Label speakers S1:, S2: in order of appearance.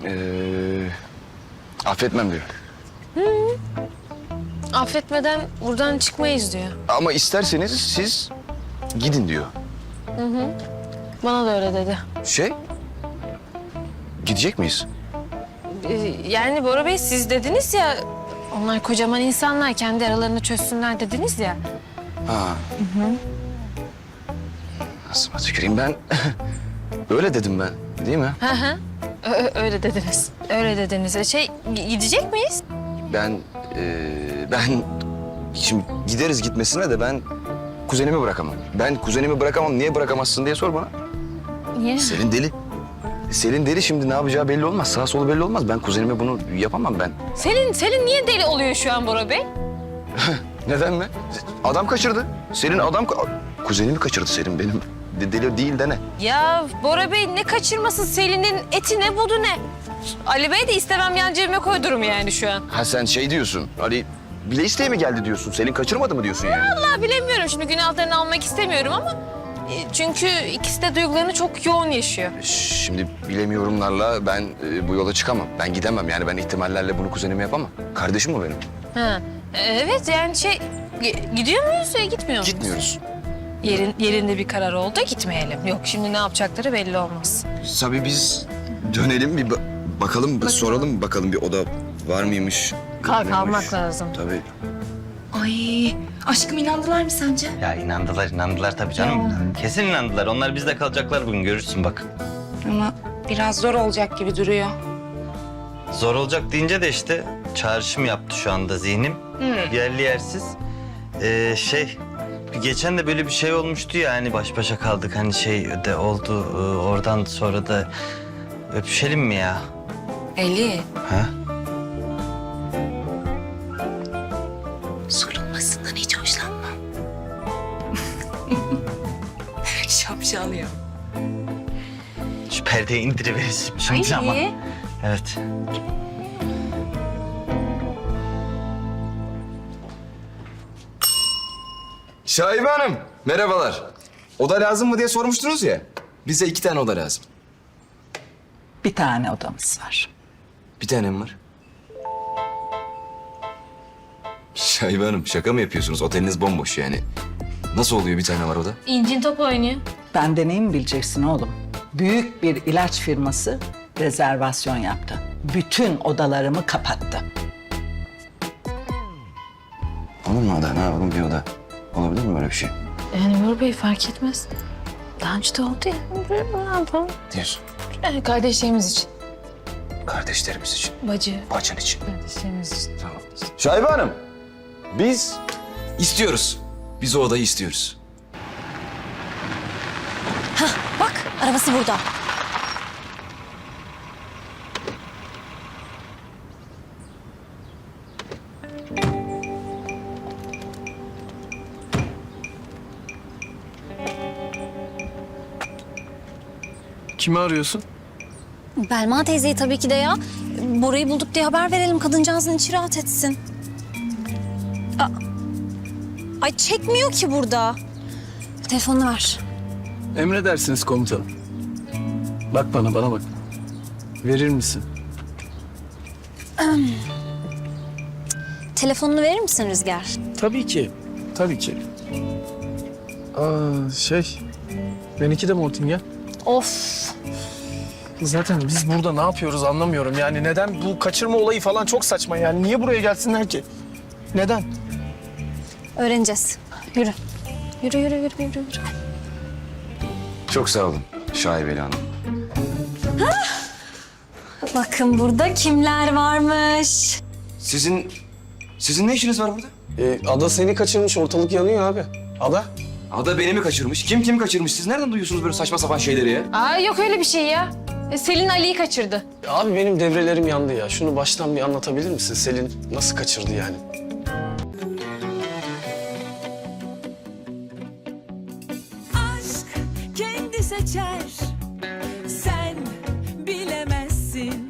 S1: Affetmem diyor.
S2: Affetmeden buradan çıkmayız diyor.
S1: Ama isterseniz siz gidin diyor.
S2: Bana da öyle dedi.
S1: Gidecek miyiz?
S2: Yani Bora Bey siz dediniz ya... Onlar kocaman insanlar, kendi aralarını çözsünler dediniz ya.
S1: Ha. Nasıl tüküreyim ben? Öyle dedim ben, değil mi?
S2: Hı hı. Öyle dediniz. Öyle dediniz. Gidecek miyiz?
S1: Ben şimdi gideriz gitmesine de ben kuzenimi bırakamam. Ben kuzenimi bırakamam. Niye bırakamazsın diye sor bana.
S2: Niye?
S1: Selin deli. Selin deli, şimdi ne yapacağı belli olmaz. Sağ solu belli olmaz. Ben kuzenime bunu yapamam ben.
S2: Selin niye deli oluyor şu an Bora Bey?
S1: Neden mi? Adam kaçırdı. Selin kuzenimi kaçırdı Selin benim. Deli değil de ne?
S2: Ya Bora Bey ne kaçırmasın, Selin'in eti ne budu ne? Ali Bey de istemem yan cebime koydurum yani şu an.
S1: Ha sen diyorsun. Ali bile isteye mi geldi diyorsun? Selin kaçırmadı mı diyorsun yani?
S2: Vallahi bilemiyorum, şimdi günahlarını almak istemiyorum ama... Çünkü ikisi de duygularını çok yoğun yaşıyor.
S1: Şimdi bilemiyorumlarla ben bu yola çıkamam. Ben gidemem yani, ben ihtimallerle bunu kuzenime yapamam. Kardeşim o benim.
S2: Ha, evet yani gidiyor muyuz ya gitmiyor muyuz?
S1: Gitmiyoruz.
S2: Yerinde bir karar oldu, gitmeyelim. Yok şimdi ne yapacakları belli olmaz.
S1: Tabii biz dönelim bir bakalım, soralım bakalım bir oda var mıymış?
S2: Kalmak lazım.
S1: Tabii.
S3: Ay aşkım inandılar mı sence?
S4: Ya inandılar tabii canım. Kesin inandılar. Onlar bizde kalacaklar bugün, görürsün bak.
S3: Ama biraz zor olacak gibi duruyor.
S4: Zor olacak deyince de işte çağrışım yaptı şu anda zihnim. Yerli yersiz. Geçen de böyle bir şey olmuştu ya, hani baş başa kaldık, hani de oldu. Oradan sonra da öpüşelim mi ya?
S3: Eli.
S4: Ha?
S3: Sorulmasından hiç hoşlanmam. Şapşal ya.
S4: Şu perdeyi indiriveririz şimdi ama. Evet.
S5: Şahibe Hanım, merhabalar. Oda lazım mı diye sormuştunuz ya. Bize 2 tane oda lazım.
S6: Bir tane odamız var.
S5: Bir tane mi var? Şahibe Hanım, şaka mı yapıyorsunuz? Oteliniz bomboş yani. Nasıl oluyor bir tane var oda?
S2: İncin top oynuyor.
S6: Bende neyi mi bileceksin oğlum? Büyük bir ilaç firması rezervasyon yaptı. Bütün odalarımı kapattı.
S1: Olur mu oda? Ne yapalım, bir oda? Olabilir mi böyle bir şey?
S2: Yani Bora Bey fark etmez. Daha önce de oldu ya. Ne yapalım?
S1: Diyorsun.
S2: Kardeşlerimiz için.
S1: Kardeşlerimiz için,
S2: Bacı.
S1: bacın için.
S2: Kardeşlerimiz için.
S1: Tamam.
S5: Şahibe Hanım, biz istiyoruz. Biz o odayı istiyoruz.
S7: Bak, arabası burada.
S8: Kimi arıyorsun?
S7: Belma teyzeyi tabii ki de ya. Bora'yı bulduk diye haber verelim, kadıncağızın içi rahat etsin. Ay çekmiyor ki burada. Telefonunu ver.
S8: Emredersiniz komutanım. Bak bana bak. Verir misin?
S7: Telefonunu verir misin Rüzgar?
S8: Tabii ki. Benimki de Mortingen.
S7: Of.
S8: Zaten biz burada ne yapıyoruz anlamıyorum. Yani neden bu kaçırma olayı falan çok saçma yani. Niye buraya gelsinler ki? Neden?
S7: Öğreneceğiz. Yürü. Yürü.
S1: Çok sağ olun Şahibeli Hanım.
S7: Bakın burada kimler varmış.
S5: Sizin ne işiniz var burada?
S8: Ada seni kaçırmış, ortalık yanıyor abi. Ada?
S5: Ada beni mi kaçırmış? Kim kaçırmış? Siz nereden duyuyorsunuz böyle saçma sapan şeyleri ya?
S2: Aa yok öyle bir şey ya. Selin Ali'yi kaçırdı.
S8: Abi benim devrelerim yandı ya. Şunu baştan bir anlatabilir misin? Selin nasıl kaçırdı yani?
S9: Aşk kendi seçer